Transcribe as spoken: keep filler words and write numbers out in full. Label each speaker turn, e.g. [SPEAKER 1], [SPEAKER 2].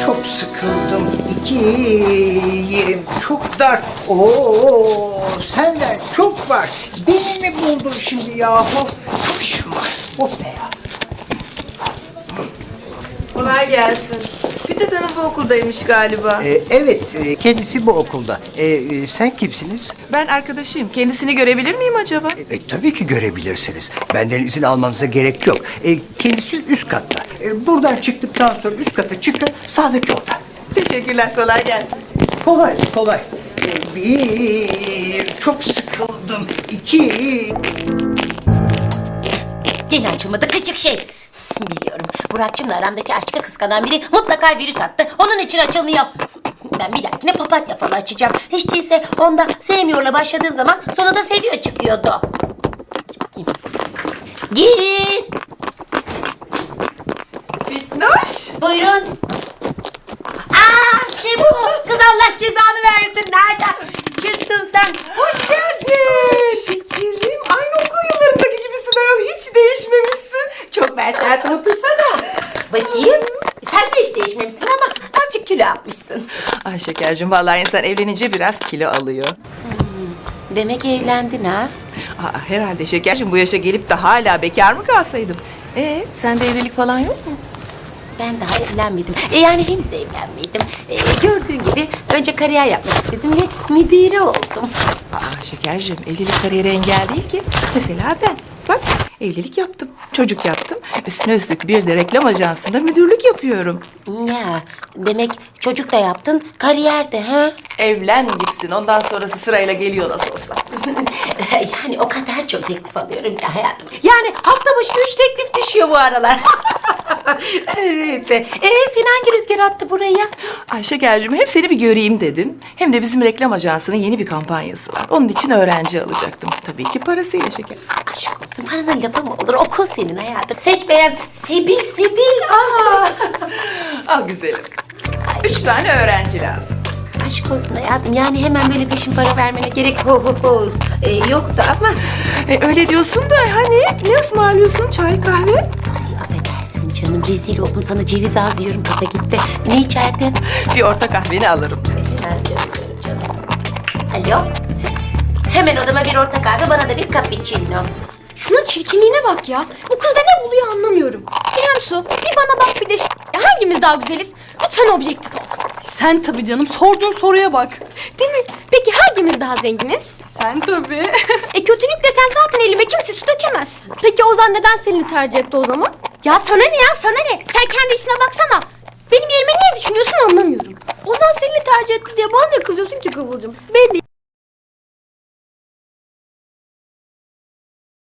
[SPEAKER 1] çok sıkıldım. İki yerim çok dar. Oo, senden çok var. Beni mi buldun şimdi yahu? Çok işim var. Oh be ya.
[SPEAKER 2] Kolay gelsin. Fidat Hanım bu okuldaymış galiba.
[SPEAKER 1] Ee, evet, e, kendisi bu okulda. Ee, e, sen kimsiniz?
[SPEAKER 2] Ben arkadaşıyım. Kendisini görebilir miyim acaba?
[SPEAKER 1] E, tabii ki görebilirsiniz. Benden izin almanıza gerek yok. E, kendisi üst katta. E, buradan çıktıktan sonra üst kata çıkın, sağdaki oda.
[SPEAKER 2] Teşekkürler. Kolay gelsin.
[SPEAKER 1] Kolay, kolay. E, bir, çok sıkıldım. İki,
[SPEAKER 3] Gene açılmadı küçük şey. Biliyorum. Burak'cığımla aramdaki aşkı kıskanan biri mutlaka virüs attı. Onun için açılmıyor. Ben bir dahakine papatya falı açacağım. Hiç değilse onda sevmiyorla başladığı zaman sonra da seviyor çıkıyordu. Bakayım. Gir.
[SPEAKER 2] Fitnoş.
[SPEAKER 3] Buyurun. Aa şey bu. Kız Allah cezanı versin. Nereden çıktın sen?
[SPEAKER 2] Hoş geldin. Şekerim. Aynı okul yıllarındaki gibisin ayol. Hiç değişmemişsin.
[SPEAKER 3] Çok versaat otursana. Bakayım. Sen de hiç değişmemişsin ama azıcık kilo yapmışsın.
[SPEAKER 2] Ay şekercim, vallahi insan evlenince biraz kilo alıyor.
[SPEAKER 3] Demek evlendin ha?
[SPEAKER 2] Aa, herhalde şekercim, bu yaşa gelip de hala bekar mı kalsaydım? Ee, sende evlilik falan yok mu?
[SPEAKER 3] Ben daha evlenmedim. E yani henüz evlenmedim. E, gördüğün gibi önce kariyer yapmak istedim ve müdüre oldum.
[SPEAKER 2] Aa şekercim, evlilik kariyere engel değil ki. Mesela ben. Bak, evlilik yaptım, çocuk yaptım. Üstüne üstlük bir de reklam ajansında müdürlük yapıyorum.
[SPEAKER 3] Ya demek çocuk da yaptın, kariyer de ha?
[SPEAKER 2] Evlen gitsin, ondan sonrası sırayla geliyor nasıl olsa.
[SPEAKER 3] Yani o kadar çok teklif alıyorum ki hayatım. Yani hafta başı üç teklif düşüyor bu aralar. Neyse. Ee, seni hangi rüzgar attı buraya?
[SPEAKER 2] Ay şekercim, hep seni bir göreyim dedim. Hem de bizim reklam ajansının yeni bir kampanyası var. Onun için öğrenci alacaktım. Tabii ki parasıyla şeker.
[SPEAKER 3] Aşk olsun, paranın lafı mı olur? Okul senin hayatım. Seç beğen. Sebil, Sebil. Aa.
[SPEAKER 2] Al güzelim. Üç tane öğrenci lazım.
[SPEAKER 3] Aşk olsun hayatım. Yani hemen böyle peşin para vermene gerek ho, ho, ho. Ee, yoktu ama.
[SPEAKER 2] E, öyle diyorsun da hani ne ısmarlıyorsun? Çay, kahve?
[SPEAKER 3] Ay affedersin canım. Rezil oldum. Sana ceviz ağzı yiyorum. Kafa gitti. Ne içerdin?
[SPEAKER 2] Bir orta kahveni alırım.
[SPEAKER 3] Hemen söylüyorum canım. Alo. Hemen odama bir orta kahve, bana da bir cappuccino.
[SPEAKER 4] Şuna çirkinliğine bak ya. Bu kız da ne buluyor anlamıyorum. İrem Su, bir bana bak bir de şu... Ya hangimiz daha güzeliz? Lütfen objektif ol.
[SPEAKER 5] Sen tabii canım, sorduğun soruya bak.
[SPEAKER 4] Değil mi? Peki hangimiz daha zenginiz?
[SPEAKER 5] Sen tabii.
[SPEAKER 4] E kötülük desen zaten elime kimse su dökemez.
[SPEAKER 5] Peki Ozan neden seni tercih etti o zaman?
[SPEAKER 4] Ya sana ne ya sana ne? Sen kendi işine baksana. Benim yerime niye düşünüyorsun anlamıyorum.
[SPEAKER 5] Ozan seni tercih etti diye bana ne kızıyorsun ki Kıvılcım? Belli